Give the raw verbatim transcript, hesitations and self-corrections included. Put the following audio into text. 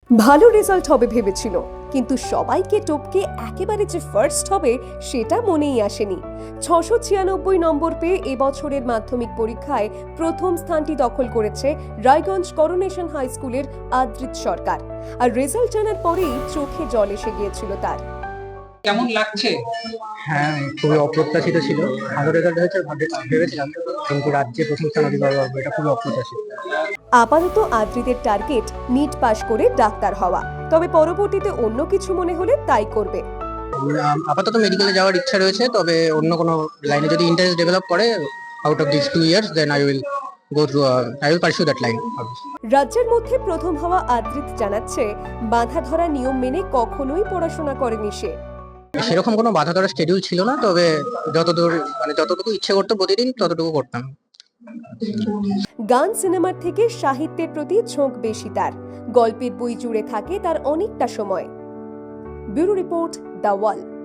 ভালো রেজাল্ট হবে ভেবেছিল, কিন্তু সবাইকে টপকে একেবারে যে ফার্স্ট হবে সেটা মনেই আসেনি। ছশো ছিয়ানব্বই নম্বর পেয়ে এবছরের মাধ্যমিক পরীক্ষায় প্রথম স্থানটি দখল করেছে রায়গঞ্জ করোনেশন হাই স্কুলের আদ্রিত সরকার। আর রেজাল্ট জানার পরেই চোখে জল এসে গিয়েছিল তার। কেমন লাগছে? হ্যাঁ, খুবই অপ্রত্যাশিত ছিল। ভালো রেজাল্ট হয়েছে ভাবে- ভেবেছিলাম, কিন্তু রাজ্যে প্রথম স্থান অধিকার করবো এটা খুবই অপ্রত্যাশিত। আপাতত আদ্রিতের টার্গেট নিট পাশ করে ডাক্তার হওয়া, তবে পরবর্তীতে অন্য কিছু মনে হলে তাই করবে। উম, আপাতত মেডিকেলে যাওয়ার ইচ্ছা রয়েছে, তবে অন্য কোনো লাইনে যদি ইন্টারেস্ট ডেভেলপ করে out of this two years then I will go through I will pursue that line. রাজ্যের মধ্যে প্রথম হওয়া আদ্রিত জানাচ্ছে, বাঁধা ধরা নিয়ম মেনে কখনোই পড়াশোনা করেনি সে। সেরকম কোনো বাধা ধরা শিডিউল ছিল না, তবে যতদূর মানে যতটুকু ইচ্ছে করতো প্রতিদিন ততটুকু করতাম। গান সিনেমার থেকে সাহিত্যের প্রতি ঝোঁক বেশি তার। গল্পের বই জুড়ে থাকে তার অনেকটা সময়। Bureau report, The wall.